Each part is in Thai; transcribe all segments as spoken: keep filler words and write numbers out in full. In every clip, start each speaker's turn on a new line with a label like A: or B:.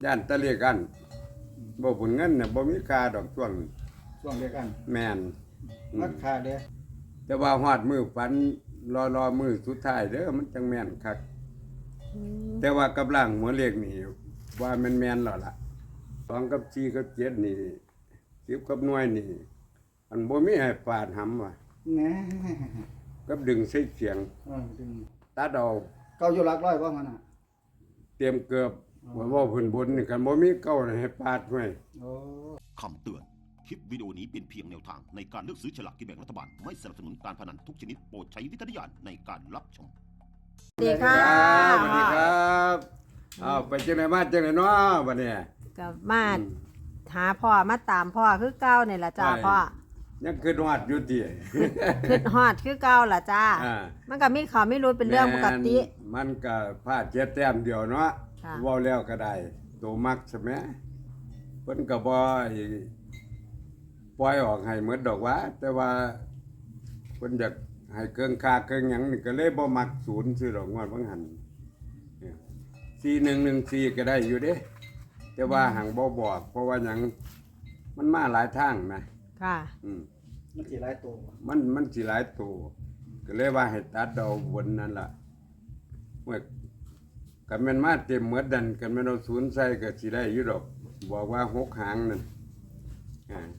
A: ย่านตะเลียกันบ่ผลเงินน่ะบ่มีค่าดอกช่วง
B: ช่วงเดียวกัน
A: แม่น
B: มัดค่าเด้
A: แต่ว่าฮอดมื้อฝันรอรอมื้อสุดท้ายเด้อมันจังแม่นคักแต่ว่ากับล่างหัวเลขนี่ว่ามันแม่นแล้วล่ะสองกับสี่กับเจ็ดนี่สิบกับหน่วยนี่อันบ่มีให้ปาดหำว่ะ
B: แหน่
A: กับดึงใส่เสียง
B: เออดึง
A: ตัดเอา
B: เก้าอยู่หลักร้อยบ่มันน่ะ
A: เตรียมเกือบว่าว่าเพิ่นบนนี่กันบ่มีเก้าให้ปาดไว้
B: โอ้
C: คำเตือนคลิปวิดีโอนี้เป็นเพียงแนวทางในการเลือกซื้อฉลากกินแบ่งรัฐบาลไม่สนับสนุนการพนันทุกชนิดโปรดใช้วิจารณญาณในการรับชม
D: สวัสดีค่ะ
A: สวัสดีครับอ้าวไปจังได๋มาจังได๋เนาะบัดนี้
D: กับมาหาพ่อมาตามพ่อคือเก่านี่ล่ะจ้าพ่อ
A: ยังคิดฮอดอยู่ติ
D: คิดฮอดคือเก่าล่ะจ้ามันก็มีข่าวไม่รู้เป็นเรื่องปกติ
A: มันก็พลาดเจ็ดแต้มเดียวเนาะเว้าแล้วก็ได้โตมักใช่มั้ยเพิ่นก็บ่ปล่อยออกให้หมดดอกว่าแต่ว่าเพิ่นอยากให้เกินค่าเกินหยังนี่ก็เลยบ่มักศูนย์ซื่อดอกงวดบางหันสี่หนึ่งหนึ่งสี่ก็ได้อยู่เด้แต่ว่าหังบ่บอกเพราะว่าหยังมันมาหลายทางนะ
D: ค่ะ
A: อืม
B: มันสิหลายตัว
A: มันมันสิหลายตัวก็เลยว่าให้ตัดเอาบนนั่นล่ะเมื่อกันแม่นมาเต็มหมดดันกันแม่นเอาศูนย์ใส่ก็สิได้อยู่ดอกบอกว่าหกหางนั่นอ่า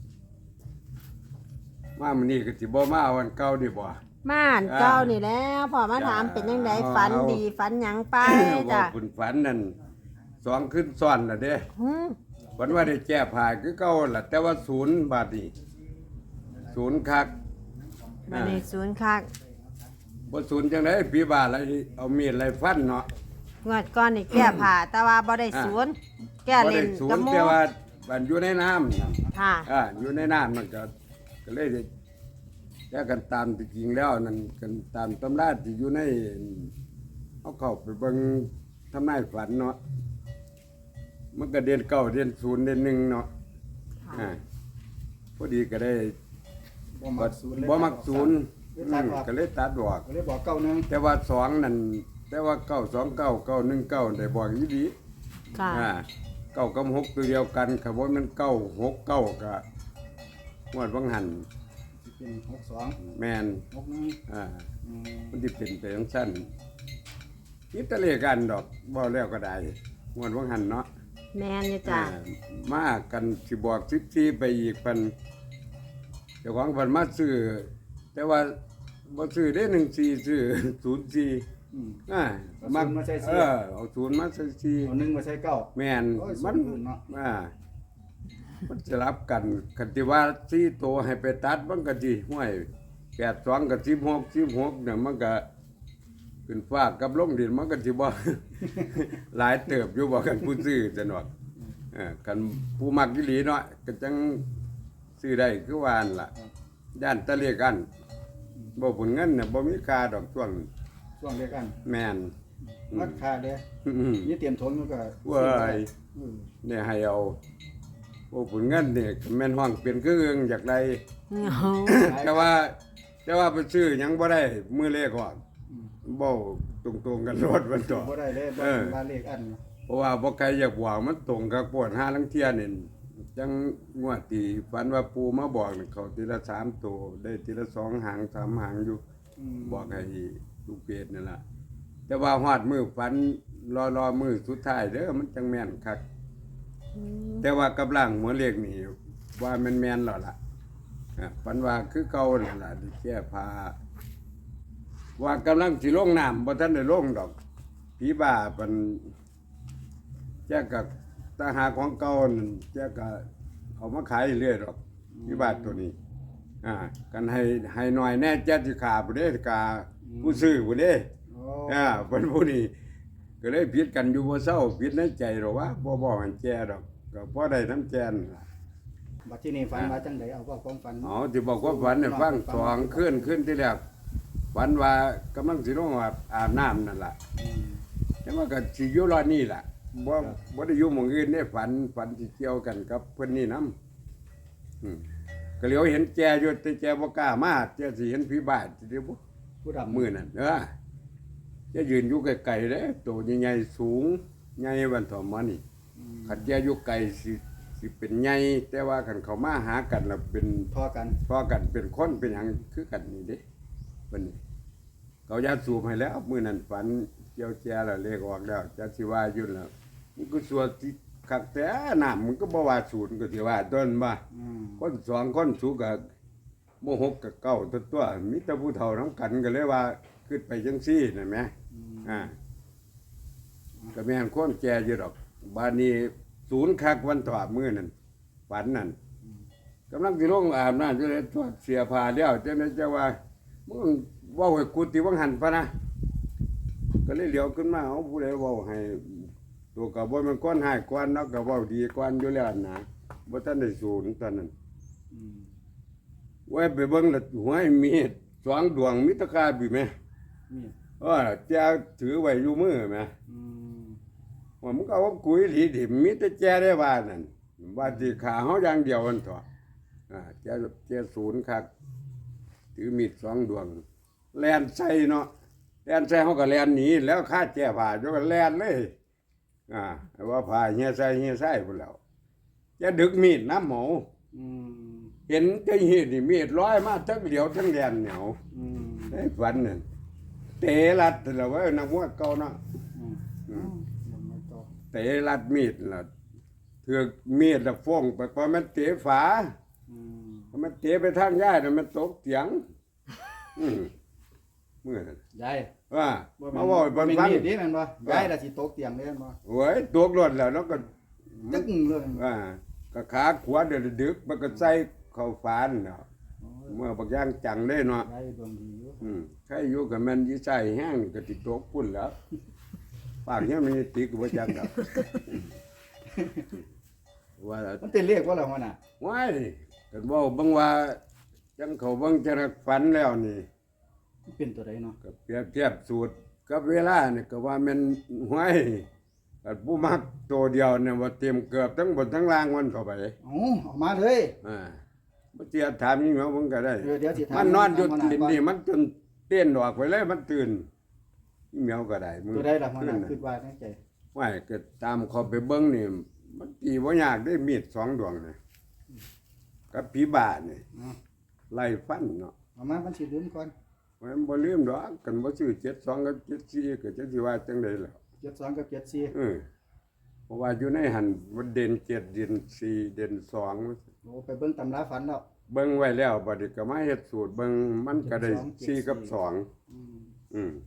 A: มามื้อนี้ก็สิบ่มาวันเก่านี่บ่
D: ม่านเก่านี่แล้วพ่อมาถามเป็นจังได๋ฝันดีฝันหยังไปจ้ะ
A: คุณฝันนั่นสองขึ้นซ้อนน่ะเด้
D: หือ
A: ฝันว่าได้แก้ผ้าคือเก่าล่ะแต่ว่าศูนย์บาทนี่ศูนย์คัก
D: บัดนี้ศูนย์คัก
A: บ่ศูนย์จังได๋พี่บ้าอะไรเอามีดอะไรฟันเนาะ
D: งวดก่อนนี่แก้ผ้าแต่ว่าบ่ได้ศูนย์แก้เล่น
A: กับหมู่แต่ว่ามันอยู่ในน้ำ
D: ค่ะ
A: อ่าอยู่ในน้ำมันก็ก็เลยแก้กันตามที่จริงแล้วนั่นกันตามตำราที่อยู่ในเอาเข้าไปเบิ่งทำนายฝันเนาะมันก็เดือนเก้าเดือนศูนย์เดือนหนึ่งเนาะอ่าพอดีก็ได้
B: บ่มักศูนย์
A: บ่มักศูนย์ก็เลยตัดออก
B: ก็เลยบอกเก้าหนึ่ง
A: แต่ว่าสองนั่นแต่ว่าเก้าสองเก้าเก้าหนึ่งเก้าได้บอกอีดี
D: ค่ะ
A: อ่าเก้ากับหกตัวเดียวกันครับว่ามันเก้าหกเก้าก็งวดวังหัน
B: เป็นหกสอง
A: แม่น
B: หกหนึ่ง
A: อ่ามันสิเป็นไปจังซั่นคิดตะเลกันดอกบ่แล้วก็ได้งวดวังหันเนาะ
D: แม่นอยู่จ้ะ
A: มากันสิบอกสิบสี่ไปอีกเพิ่นเจ้าของเพิ่นมาซื้อแต่ว่าบ่ซื้อได้หนึ่งสี่ซื้อศูนย์สี่
B: อืม
A: อ่า
B: มันมาใส่สี่
A: เออเอาศูนย์มาใส่สี่
B: เอาหนึ่งมาใส่เก้า
A: แม่นมัน
B: เนาะ
A: อ่ามันจะรับกันคันที่ว่าสี่ตัวให้ไปตัดมันก็สิห้วยแปดสองกับสิบหก สิบหกเนี่ยมันก็ขึ้นฟ้ากับลงดินมันก็สิบ่หลายเติบอยู่บ่กันผู้ซื้อจังดอกเออกันผู้มักอีหลีเนาะก็จังซื้อได้คือว่านั่นล่ะย่านตะเลียกันบ่ผลเงินน่ะบ่มีค่าดอกช่วง
B: ช่วงเดียวกัน
A: แม่น
B: มัดค่าเด้นี่เตรียมทนอยู่ก็
A: เว้ยเนี่ยให้เอาโอ้ผลเงินนี่แม่นห้องเป็นคืออึงอยากได้แต่ว่าแต่ว่าไปซื้อหยังบ่ได้มื้อเลขออกเว้าตรงๆกันรถมันต่อ
B: บ่ได้เลยบ่ว่าเลขอัน
A: เพราะว่าบ่ใครอยากบอกมันตรงกับปวดหาลังเที่ยนี่จังงวดที่ฝันว่าปู่มาบอกนี่เขาทีละสามตัวได้ทีละสองหางสามหางอยู่บอกให้ลูกเพจนั่นล่ะแต่ว่าฮอดมื้อฝันรอรอมื้อสุดท้ายเด้อมันจังแม่นคักแต่ว่ากับล่างหัวเลขนี่ว่ามันแม่นแล้วล่ะฝันว่าคือเก่านั่นล่ะที่แก้ผ้าว่ากำลังสิลงน้ำบ่ทันได้ลงดอกผีบ้าเพิ่นแจกกับตาหาของเก่านั่นแจกก็เอามาขายเรื่อยดอกผีบ้าตัวนี้อ่ากันให้ให้หน่อยแน่แจ๊สิขาบ่ได้กาผู้ซื้อบ่ได้อ่าเพิ่นผู้นี้ก็เลยผิดกันอยู่บ่เซาผิดในใจหรอกว่าบ่บอกให้แจดอกก็พอได้น้ำแจนล่ะ
B: บัดที่นี่ฝันว่าจังได๋เอาว่าความฝัน
A: อ๋อสิบอกว่าฝันให้ฟังสองคืนคืนที่แรกฝันว่ากำลังสิลงอาบน้ำนั่นล่ะแต่ว่าก็สิอยู่รอนี่ล่ะบ่บ่ได้อยู่หม้องอื่นได้ฝันฝันสิเกี่ยวกันกับเพิ่นนี่นำอืมก็เหลียวเห็นแจอยู่แต่แจบ่กล้ามาแจสิเห็นผีบ้าสิเด้บ่
B: ผู้ดำ
A: มื้อนั้นเด้อจะยืนอยู่ไกลๆเด้ตัวใหญ่ๆสูงใหญ่บันทอมมานี่ขัดแย้อยู่ไกลสิสิเป็นใหญ่แต่ว่าคันเขามาหากันแล้วเป็น
B: พอกัน
A: พอกันเป็นคนเป็นหยังคือกันนี่เด้บัดนี้เขายาสูบให้แล้วมื้อนั้นฝันเกี่ยวแจแล้วเลขออกแล้วจักสิว่าอยู่แล้วมันก็สวดสิคักแต่น้ำมันก็บ่ว่าศูนย์ก็สิว่าต้นว่า
B: อืม
A: คนสองคนสูก็บ่หกกับเก้าตัวตัวมีแต่ผู้เฒ่านำกันก็เลยว่าขึ้นไปจังซี่นั่นแหมอ่าก็แม่นคนแก่อยู่ดอกบัดนี้ศูนย์คักวันต่อมื้อนั้นฝันนั่นกำลังสิลงอาบน้ำอยู่เลยทอดเสียผ้าแล้วจังได๋จะว่ามึงเว้าให้กูติวังหันพะนะก็เลยเหลียวขึ้นมาเอาผู้ใดเว้าให้ตัวก็บ่แม่นคนหายกวนเนาะก็เว้าดีกวนอยู่แล้วนะบ่ทันได้ศูนย์ตอนนั้น
B: อืม
A: ไว้ไปเบิ่งแล้วหัวให้มีดสองดวงมิตรคาบิแม่
B: มีด
A: เออแจถือไว้อยู่มือแม่
B: อืม
A: ว่ามึงก็เอากุยหลีดิมิตรแจได้ว่านั่นว่าสิขาเฮาอย่างเดียวมันเถาะอ่าแจแจศูนย์คักถือมีดสองดวงแล่นใส่เนาะแล่นใส่เฮาก็แล่นหนีแล้วคาแจผ่าอยู่ก็แล่นเลยอ่าว่าผ่าเฮียใส่เฮียใส่พุ่นแล้วจะดึกมีดน้ำหมู
B: อืม
A: เห็นจะเห็นนี่มีดร้อยมาทั้งเหลียวทั้งแดนเหนียว
B: อืม
A: ได้ฝันนั่นเตะรัดแล้วเว้ยนักมวยเก่าเนาะ
B: อืม
A: อืม
B: ยังไม่ต่อ
A: เตะรัดมีดล่ะเถือกมีดละฟ้องไปพอมันเตะฝา
B: อืม
A: พอมันเตะไปทางย่ายน่ะมันตกเตียงอืมเมื่อนั้น
B: ยาย
A: ว่า
B: บ่
A: มาว่าบน
B: เป็น
A: ฟัง
B: มีดนี่แม่นบ่ยายน่ะสิตกเตียงเลยแม่นบ่
A: โอ้ยตกรถแล้วแล้วก็
B: ตึ้งเลย
A: ว่าก็ขาขวาเดือดดึกมันก็ใส่เข้าฝานเนาะ
B: โอ้ย
A: เมื่อบักอย่างจังเลยเนาะ
B: ยายดวงดีอยู่
A: อืมใครอยู่กับแม่นยี่ใส่แห้งก็ติดตกพุ่นแล้วปากยังมีติดกับจังดอกว่า
B: มันเป็นเลขบ่ล่ะหัวหน้า
A: ว้ายกันว่าบางว่าจังเขาเบางจะรักฝันแล้วนี่
B: มันเป็นตัวใดเนาะ
A: ก็เปรียบเทียบสูตรกับเวลานี่ก็ว่าแมันห้วยกันผู้มักตัวเดียวเนี่ยว่าเตรียมเกือบทั้งบนทั้งล่างมันเข้าไป
B: เอ๋ออกมาเลย
A: อ่าบ่เตียถามยิ่งเหาเพิ่นก็ได้
B: เดี๋ยวเดี๋ยวสิถาม
A: มันนอนอยู่
B: หัวหน้า
A: ดิน
B: ก่อน
A: นี่มันจนเต้นออกไปเลยมันตื่นยิ่งเหาก็ได้มือ
B: ตัวใดล่ะหัวหน้า
A: ขึ้
B: คิดว่าในใจ
A: ว่าก็ตามเขาไปเบิ่งนี่มันตีบ่ยากได้มีดสองดวงนี่กับผีบ้านี่
B: เอา
A: ไล่ฟันเนาะ
B: เอามามันสิลืมก่อน
A: มันบ่ลืมดอกกันบ่ซื้อเจ็ดสองกับเจ็ดสี่ก็จังสิว่าจังได๋ล่ะ
B: เจ็ดสองกับเจ็ดสี่
A: เออเพราะว่าอยู่ในหันมันเด่นเจ็ดเด่นสี่เด่นสอง
B: โอ้ไปเบิ่งตำราฝันแล้ว
A: เบิ่งไว้แล้วบัดนี้ก็มาเฮ็ดสูตรเบิ่งมันก็ได้
B: เจ็ดสอง
A: สี่กับสอง
B: อืม
A: อืม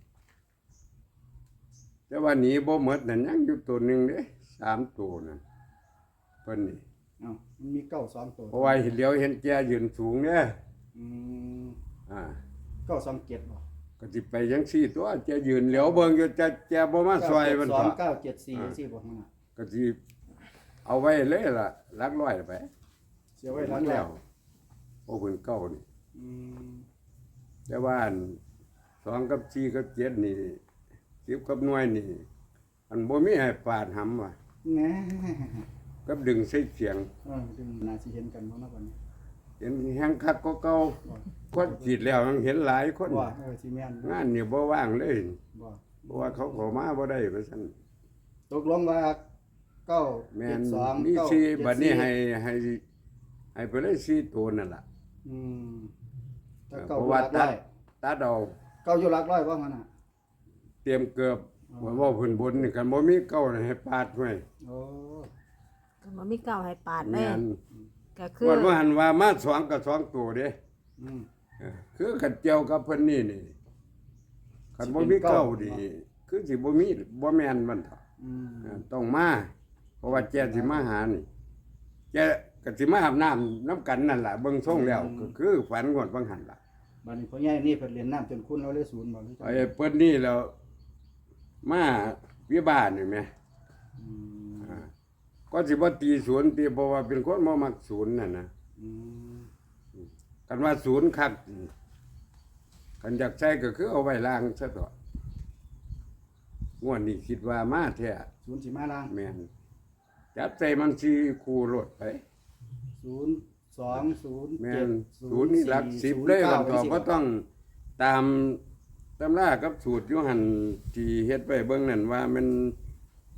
A: แต่ว่าหนีบ่หมดนั่นยังอยู่ตัวหนึงเด้สามตัวนั่นเพิ่นนี่
B: เอ้ามันมีเก้าสองตัว
A: เพราะว่าเห็นเหลียวเห็นแกยืนสูงเด้
B: อืม
A: อ่า
B: เก้าสองเจ็ดบ่
A: ก็สิไปจังซี่ตัวแกยืนเหลียวเบิ่งอยู่จะแกบ่มาซอยมัน
B: สอ
A: เถ
B: ง
A: อะ
B: เก้าเจ็ดสี่สี่บ่หัวหน้า
A: ก็สิเอาไว้เลยล่ะหลักร้อยไป
B: เสียไว้หลัง
A: แล้
B: แล้ว ว
A: โอ้เพิ่นเก่านี่
B: อืม
A: แต่ว่าอันสองกับสี่กับเจ็ดนี่สิบกับหน่วยนี่อันบ่มีให้ปาดหำว่ะ
B: แหน่
A: กับดึงใส่เสียง
B: เออดึงน่าสิเห็นกันบ่เนาะบัดนี้
A: เห็นแห้งคักก็เก่าคนจีดแล้วยังเห็นหลายคน
B: บ่เออสิแม่นบ่
A: งานนี่บ่ว่างเลย
B: บ่
A: เพราะว่าเขาเข้ามาบ่ได้ว่าซั่น
B: ตกลงว่าเก้า
A: แม่
B: เจ็
A: น
B: ดสอง
A: มี
B: เก้า
A: สี่
B: เจ็
A: บัดนี้
B: สี่
A: ให้ให้ให้ไปเลยสี่ตัวนั่นล่ะ
B: อืมถ้า
A: เพ
B: เก้าอ
A: ราะ
B: ยู่ห
A: ว่า
B: ลัก
A: ตั
B: ร้
A: ด
B: อย
A: ตัดเอา
B: เก้าอยู่หลักร้อยบ่หัวหน้า
A: เตรียมเกือบว่าเว้าเพิ่นบนนี่กันบ่มีเก้าน่ะให้ปาดไว้
B: โอ้
D: ก็บ่มีเก้าให้ปาดเล
A: แม่
D: ย
A: น
D: ก็คือ
A: ว่าว่าหันว่ามาสองกับสองตัวเด้
B: อืม
A: เออคือขัดเจียวกับเพิ่นนี่นี่ขันบ่
B: สิเป็
A: มี
B: นเก้า
A: เก้าดีคือสิบ่มีบ่แม่นมันเถอะ
B: อืม
A: เออต้องมา เพราะว่าแกสิมาหานี่แกก็สิมาอาบน้ำน้ำกันนั่นล่ะเบิ่งทรงแล้วก็คือฝันงวดบางหันล่ะ
B: บัดนี้พ่อใหญ่นี่เพิ่นเรียนน้ำจนคุณเราเลยศูนย์บ่หรือจัง
A: ไอ้เพิ่นนี่แล้วมาวิบากนี่แหม
B: อืม
A: อ่าก็สิบ่ตีศูนย์ตีเพราะว่าเป็นคนบ่มักศูนย์นั่นนะ
B: อืม
A: กันว่าศูนย์คักคันอยากใช้ก็คือเอาไว้ล้างซะต่องวดนี้คิดว่ามาแท้
B: ศูนย์สิมาล่าง
A: แม่นจับใจมันสิคู่รถไป
B: ศูนย์สองศูนย์
A: แม่
B: เจ็ด
A: นศูนย์นี่หลักสิบเลยมันก็บ่ต้องตามตำรากับสูตรอยู่หั่นที่เฮ็ดไว้เบิ่งนั่นว่ามัน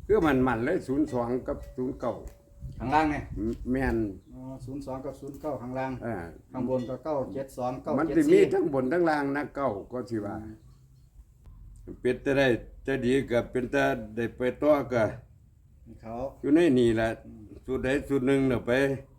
A: คือมันมันเลยศูนย์สองกับศูนย์เก้า
B: ข้างล่างไง
A: แม่น
B: อ๋อศูนย์สองกับศูนย์เก้าข้างล่าง
A: อ่า
B: ข้างบนก็เก้าเจ็ดสองเก้า
A: มัน
B: เจ็ด
A: สิมี
B: สี่
A: ทั้งบนทั้งล่างนะเก้าก็สิว่าเป็นแต่ได้จะดีก็เป็นแต่ได้ไปต่อก็
B: เขา
A: อยู่ในนี่แหละสุดใดสุดหนึ่งเนาะไป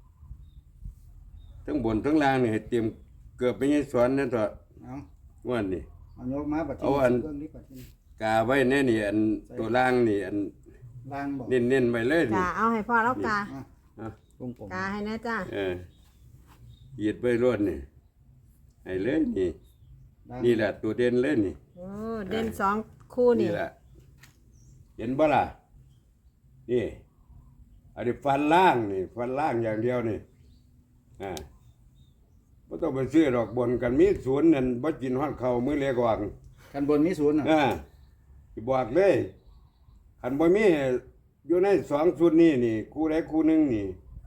A: ทั้งบนทั้งล่างนี่ให้เตรียมเกือบไปยังสอนนั่นเถอะ
B: เอา
A: ว่านี่
B: เอายกมาบัด
A: เอาอัน
B: เรื่องนี้บัดนี้
A: กาไว้แน่นี่อันตัวล่างนี่อัน
B: ล่างบอก
A: เน้นๆไว้เลยนี่
D: จ้าเอาให้พ่อแล้วกา
B: อ่ะ
A: อ่ะ
B: วงกลม
D: กาให้นะจ้า
A: เออเหยียดไปรวดนี่ให้เลยนี่
B: ล่าง
A: นี่แหละตัวเด่นเลยนี่
D: โอ้เด่นสองคู่นี่
A: นี่แหละ เห็นบ่ล่ะนี่อันนี้ฟันล่างนี่ ฟันล่างอย่างเดียวนี่อ่าบ่ต้องไปซื้อดอกบนกันมีศูนย์นั่นบ่กินฮอดข้าวมื้อเล็กว่าง
B: กันบนมีศูนย์อ่ะ
A: อ่าสิบอกเลยคันบ่มีอยู่ในสองชุดนี้นี่ คู่ใดคู่หนึงนี่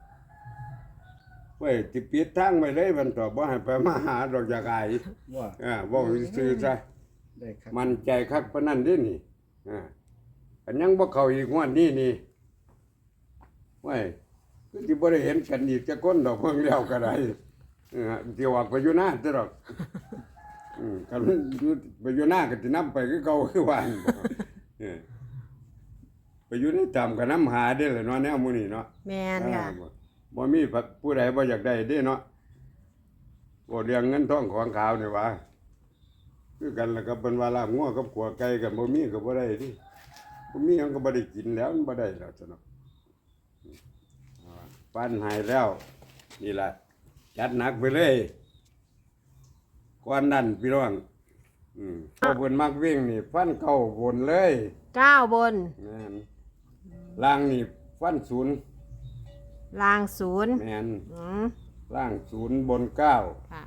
A: เว้ยสิปิดทางไว้เลยมันต่อบ่ให้ไปมาหาดอกจากอาย
B: ว่า
A: อ่าเว้าซื่อๆซะ
B: ได้ครับ
A: มันใจคักปานนั้นเด้นี่อ่าอันยังบ่เข้าอีกงวดนี้นี่เว้ยคือสิบ่ได้เห็นกันอีกจักคนดอกเพิ่งแล้วก็ได้เออสิออกไปอยู่หน้าซะดอกอืมคันอยู่ไปอยู่หน้าก็สินำไปคือเก่าคือว่าหั่นบ่เออไปอยู่ในตามก็นำหาเด้อล่ะเนาะแนวหมื้นี้เนาะ
D: แมนค่ะ
A: อ่าบ่บ่มีผู้ใดบ่อยากได้เด้เนาะบ่เรื่องเงินทองของขาวนี่หว่าคือกันแล้วก็เป็นว่าลาบงัวกับขัวไก่กันบ่มีก็บ่ได้ดิบ่มีมันก็บ่ได้กินแล้วมันบ่ได้แล้วซะเนาะอ่าปั้นให้แล้ว นี่ล่ะจัดหนักไปเลยก่อนนั้นพี่น้องอืมพอเพิ่นมักวิ่งนี่ฟันเก้าบนเลย
D: เก้าบน
A: แม่นล่างนี่ฟันศูนย์
D: ลางศูนย์
A: แม่น
D: อืม
A: ล่างศูนย์บนเก้า
D: ค่ะ